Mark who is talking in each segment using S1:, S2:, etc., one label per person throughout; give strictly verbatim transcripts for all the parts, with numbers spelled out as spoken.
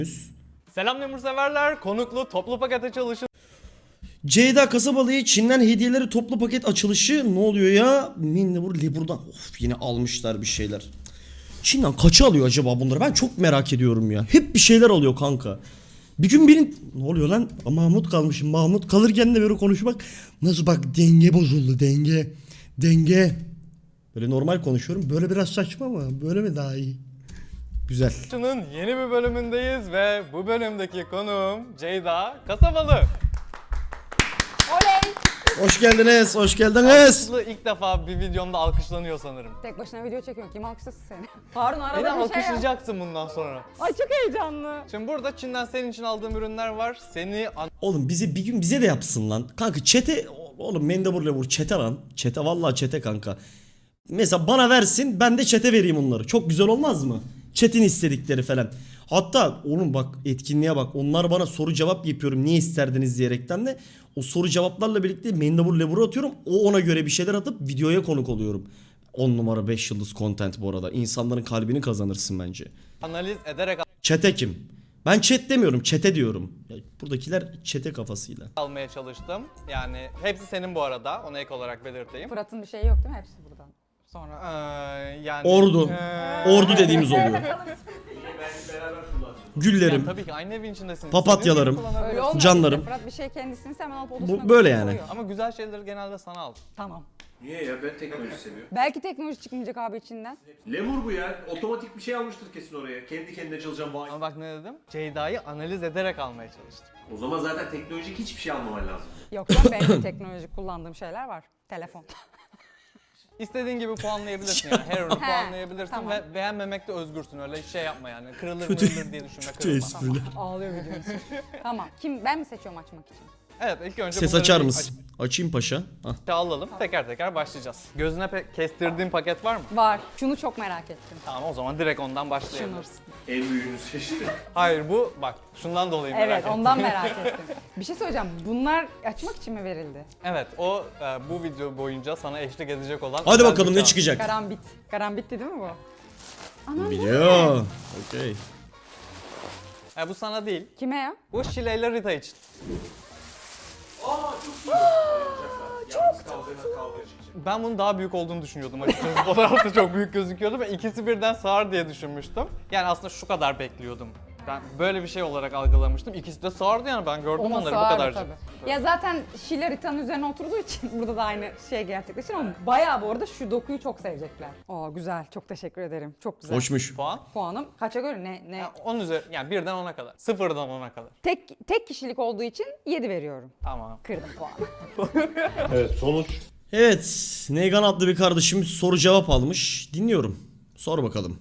S1: Selam Lemur severler. Konuklu toplu paket açılışı.
S2: Ceyda Kasabalı'ya Çin'den hediyeleri toplu paket açılışı ne oluyor ya? Mendebur Lebur'dan of yine almışlar bir şeyler. Çin'den kaça alıyor acaba bunları? Ben çok merak ediyorum ya. Hep bir şeyler alıyor kanka. Bir gün birin ne oluyor lan? Mahmut kalmışım. Mahmut kalırken de böyle konuşmak nasıl bak denge bozuldu denge. Denge. Böyle normal konuşuyorum. Böyle biraz saçma ama böyle mi daha iyi? Güzel.
S1: Şunun yeni bir bölümündeyiz ve bu bölümdeki konuğum Ceyda Kasabalı.
S3: Oley!
S2: Hoş geldiniz, hoş geldiniz.
S1: Aslı ilk defa bir videomda alkışlanıyor sanırım.
S3: Tek başına video çekiyorsun. Kim alkışlasın seni? Harun arada
S1: Beni
S3: bir şey yap.
S1: alkışlayacaksın bundan sonra.
S3: Ay çok heyecanlı.
S1: Şimdi burada Çin'den senin için aldığım ürünler var. Seni an-
S2: Oğlum bize bir gün bize de yapsın lan. Kanka çete oğlum Mendebur'la vur çete lan. Çete vallahi çete kanka. Mesela bana versin ben de çete vereyim onları. Çok güzel olmaz mı? Çetin istedikleri falan. Hatta oğlum bak etkinliğe bak. Onlar bana soru cevap yapıyorum. Niye isterdiniz diyerekten de o soru cevaplarla birlikte Mendebur Lebur'u atıyorum. O ona göre bir şeyler atıp videoya konuk oluyorum. on numara beş yıldız content bu arada. İnsanların kalbini kazanırsın bence.
S1: analiz ederek
S2: Çete kim? Ben chat demiyorum, çete diyorum. Ya buradakiler çete kafasıyla.
S1: almaya çalıştım. Yani hepsi senin bu arada. Ona ek olarak belirteyim.
S3: Fırat'ın bir şeyi yok değil mi? Hepsi buradan. Sonra.
S1: Ee, yani
S2: Ordu.
S1: Ee,
S2: Ordu dediğimiz oluyor. Güllerim.
S1: Yani tabii ki aynı evin içindesiniz.
S2: Papatyalarım.
S1: Senin kullanabilirsin.
S3: Öyle olmuyor.
S2: Canlarım.
S3: işte. Fırat bir şey kendisini hemen alıp odasına
S2: Bu böyle
S3: koyuyor.
S2: yani.
S1: Ama güzel şeyleri genelde sana al.
S3: Tamam.
S4: Niye ya? Ben teknoloji seviyorum.
S3: Belki teknoloji çıkmayacak abi içinden.
S4: Lemur bu ya. Otomatik bir şey almıştır kesin oraya. Kendi kendine çalışan vay.
S1: Ama bak ne dedim? Ceyda'yı analiz ederek almaya çalıştım.
S4: O zaman zaten teknolojik hiçbir şey almaman lazım.
S3: Yok canım benim de teknolojik kullandığım şeyler var. Telefon.
S1: İstediğin gibi puanlayabilirsin yani. Her ürünü
S3: He,
S1: puanlayabilirsin
S3: tamam.
S1: ve beğenmemekte özgürsün. Öyle şey yapma yani. Kırılır
S2: Kötü-
S1: mırılır diye düşünme,
S2: Kötü
S1: kırılma.
S2: espriler.
S3: Ağlıyor videonun. Tamam. Kim? Ben mi seçiyorum açmak için?
S1: Evet, ilk önce
S2: Ses
S1: bunları
S2: açar
S1: bir
S2: mısın? Açayım paşa. Hah.
S1: açıkça alalım. Teker teker başlayacağız. Gözüne pe- kestirdiğin paket var mı?
S3: Var. Şunu çok merak ettim.
S1: Tamam, o zaman direkt ondan
S3: Şunu.
S1: başlayabiliriz.
S4: En büyüğünü seçti.
S1: Hayır, bu bak şundan dolayı merak
S3: Evet
S1: ettim.
S3: ondan merak ettim. Bir şey söyleyeceğim. Bunlar açmak için mi verildi?
S1: Evet, o e, bu video boyunca sana eşlik edecek olan...
S2: Hadi
S1: özel
S2: bakalım
S1: bir
S2: ne
S1: şans.
S2: çıkacak.
S3: Karambit. Karambit'ti değil mi bu? Anam bu ne?
S2: Biliyor. Okey.
S1: E, bu sana değil.
S3: Kime ya?
S1: Bu Şile ile Rita için.
S4: Yalnız kavgana kavga çıkacak.
S1: Ben bunun daha büyük olduğunu düşünüyordum açıkçası. Fotoğrafta çok büyük gözüküyordu ve ikisi birden sığar diye düşünmüştüm. Yani aslında şu kadar bekliyordum. Ben böyle bir şey olarak algılamıştım. İkisi de sığardı yani, ben gördüm
S3: Ona
S1: onları bu
S3: sığardı
S1: kadarcık.
S3: tabii. Ya zaten Şile Rita'nın üzerine oturduğu için burada da aynı şey gerçekleşir ama bayağı bu arada şu dokuyu çok sevecekler. Aa güzel, çok teşekkür ederim. Çok güzel.
S2: Hoşmuş.
S1: Puan?
S3: Puanım kaça göre ne ne?
S1: Yani onun üzeri, yani birden ona kadar. Sıfırdan ona kadar.
S3: Tek tek kişilik olduğu için yedi veriyorum.
S1: Tamam.
S3: Kırdım puanı.
S4: Evet sonuç.
S2: Evet. Neygan adlı bir kardeşimiz soru cevap almış. Dinliyorum. Sor bakalım.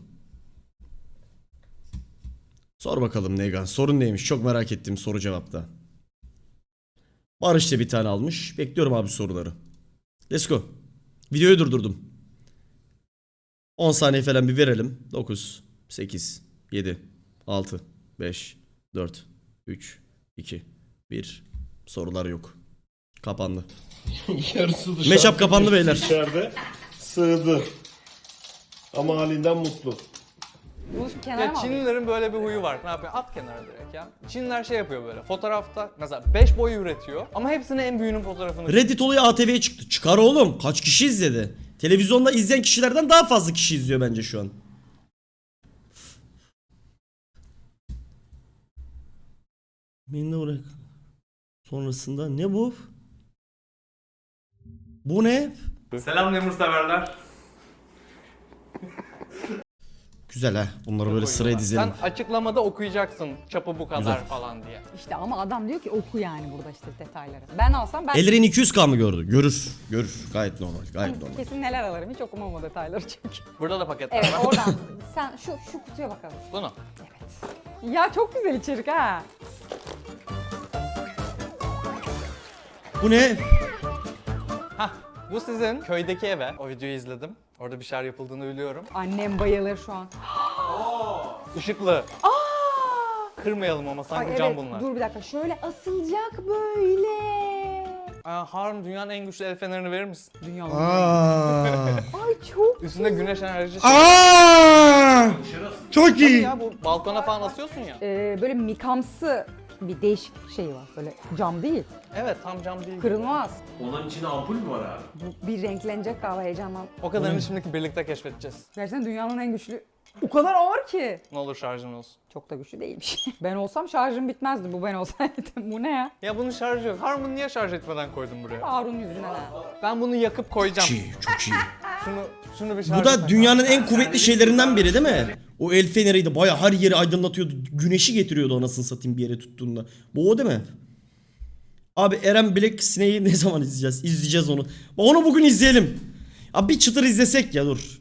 S2: Sor bakalım Neygan. Sorun neymiş? Çok merak ettim soru cevapta. Barış da bir tane almış. Bekliyorum abi soruları. Let's go. Videoyu durdurdum. on saniye falan bir verelim. dokuz, sekiz, yedi, altı, beş, dört, üç, iki, bir. Sorular yok. Kapandı.
S5: Yarısı dışarıda.
S2: Meşap kapandı beyler.
S5: İçeride sığdı. Ama halinden mutlu.
S3: Bunu şu kenara
S1: Ya
S3: mı alayım?
S1: Çinlilerin böyle bir huyu var. Ne yapıyor? At kenara direkt ya. Çinliler şey yapıyor böyle. Fotoğrafta mesela beş boy üretiyor ama hepsine en büyüğünün fotoğrafını...
S2: Reddit olayı A T V'ye çıktı. Çıkar oğlum. Kaç kişi izledi? Televizyonda izleyen kişilerden daha fazla kişi izliyor bence şu an. Beni de bırak. Sonrasında ne bu? Bu ne?
S1: Selam Lemur severler.
S2: Güzel ha. Bunları böyle sıraya dizelim.
S1: Sen açıklamada okuyacaksın çapı bu kadar
S2: Güzel.
S1: falan diye.
S3: İşte ama adam diyor ki oku yani burada işte detayları. Ben alsam ben
S2: Ellerin iki yüz K mı gördü? Görür. Görür. Gayet normal. Gayet normal.
S3: kesin neler alırım hiç okumam o detayları çünkü.
S1: Burada da paketler
S3: Evet
S1: var.
S3: oradan sen şu şu kutuya bakalım.
S1: Bunu.
S3: Ya çok güzel içerik ha.
S2: Bu ne?
S1: Hah. Bu sizin köydeki eve. O videoyu izledim. Orada bir şeyler yapıldığını biliyorum.
S3: Annem bayılır şu an.
S1: Işıklı. Kırmayalım ama sanki
S3: Ay
S1: cam
S3: evet
S1: bunlar.
S3: dur bir dakika şöyle asılacak böyle.
S1: Aa, Harun dünyanın en güçlü el fenerini verir misin?
S3: Dünyanın.
S2: Aa.
S3: Ay çok
S1: Üstünde güneş enerjisi.
S2: Aa! Aa, çok
S1: Tabii
S2: iyi.
S1: ya, bu balkona falan asıyorsun ya.
S3: Ee, böyle mikamsı bir değişik şey var. Böyle cam değil.
S1: Evet, tam cam değil.
S3: Kırılmaz.
S4: Onun içinde ampul mü var abi?
S3: Bu bir renklenecek galiba heyecandan.
S1: O kadarını şimdi birlikte keşfedeceğiz.
S3: Gerçekten dünyanın en güçlü... O kadar ağır ki.
S1: Ne olur şarjın olsun.
S3: Çok da güçlü değilmiş. Ben olsam şarjım bitmezdi bu ben olsaydım. Bu ne ya?
S1: Ya bunun şarjı yok. Harmon niye şarj etmeden koydun buraya?
S3: Harun yüzünden ha.
S1: Ben bunu yakıp koyacağım.
S2: Çok iyi, çok iyi.
S1: Şunu şunu bir şarj
S2: Bu da
S1: etmek
S2: dünyanın en kuvvetli şeylerinden biri değil mi? O el feneriydi. Baya her yeri aydınlatıyordu. Güneşi getiriyordu anasını satayım bir yere tuttuğunda. Bu o değil mi? Abi Eren Black Snake'i ne zaman izleyeceğiz? İzleyeceğiz onu. Onu bugün izleyelim. Abi bir çıtır izlesek ya dur.